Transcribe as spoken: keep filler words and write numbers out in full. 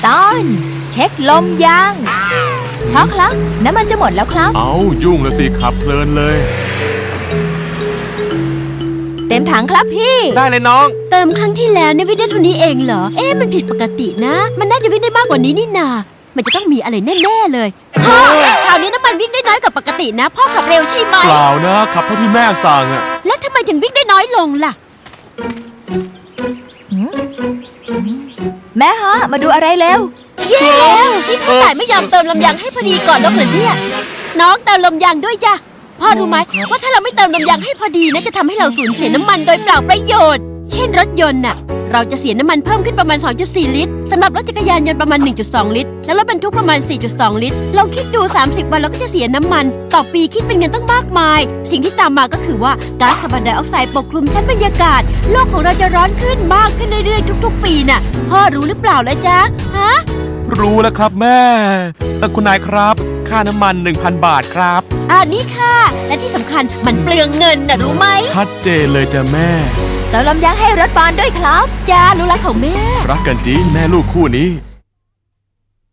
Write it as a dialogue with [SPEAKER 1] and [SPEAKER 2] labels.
[SPEAKER 1] ตอนเช็คลมยางพ่อครับน้ำมันจะหมดแล้วครับ
[SPEAKER 2] เอายุ่งแล้วสิขับเพลินเลย
[SPEAKER 1] เต็มถังครับพี่
[SPEAKER 2] ได้เลยน้อง
[SPEAKER 3] เติมครั้งที่แล้วเนี่ยวิ่งได้เท่านี้เองเหรอเอ๊ะมันผิดปกตินะมันน่าจะวิ่งได้มากกว่านี้นี่นามันจะต้องมีอะไรแน่ๆเลยพ่อคราวนี้น้ำมันวิ่งได้น้อยกว่าปกตินะพ่อขับเร็วใช่ไหม
[SPEAKER 2] เปล่านะขับเท่าที่แม่สั่งอะ
[SPEAKER 3] แล้วทำไมถึงวิ่งได้น้อยลงล่ะ
[SPEAKER 1] แม่ฮะมาดูอะไรเร็ว
[SPEAKER 3] เย้แล้วที่พ่อต่ายไม่ยอมเติมลมยางให้พอดีก่อนแล้วเหรอเนี่ยน้องเติมลมยางด้วยจ้ะพ่อรู้ไหมว่าถ้าเราไม่เติมลมยางให้พอดีนะจะทำให้เราสูญเสียน้ำมันโดยเปล่าประโยชน์เช่นรถยนต์น่ะเราจะเสียน้ำมันเพิ่มขึ้นประมาณ สองจุดสี่ ลิตรสำหรับรถจักรยานยนต์ประมาณ หนึ่งจุดสอง ลิตรและรถบรรทุกประมาณ สี่จุดสอง ลิตรลองคิดดูสามสิบวันเราก็จะเสียน้ำมันต่อปีคิดเป็นเงินตั้งมากมายสิ่งที่ตามมาก็คือว่าก๊าซคาร์บอนไดออกไซด์ปกคลุมชั้นบรรยากาศโลกของเราจะร้อนขึ้นมากขึ้นเรื่อยๆทุกๆปีน่ะพ่อรู้หรือเปล่าล่ะจ๊ะฮะ
[SPEAKER 2] รู้แล้วครับแม่แต่คุณนายครับค่าน้ำมัน หนึ่งพัน บาทครับ
[SPEAKER 3] อ่านี่ค่ะและที่สำคัญมันเปลืองเงินน่ะรู้ไหม
[SPEAKER 2] ชัดเจนเลยจ้ะแม่
[SPEAKER 1] เติมลมยางให้รถบอลด้วยครับ
[SPEAKER 3] จ้ารู้รักของแม่
[SPEAKER 2] รักกันจริงแม่ลูกคู่นี้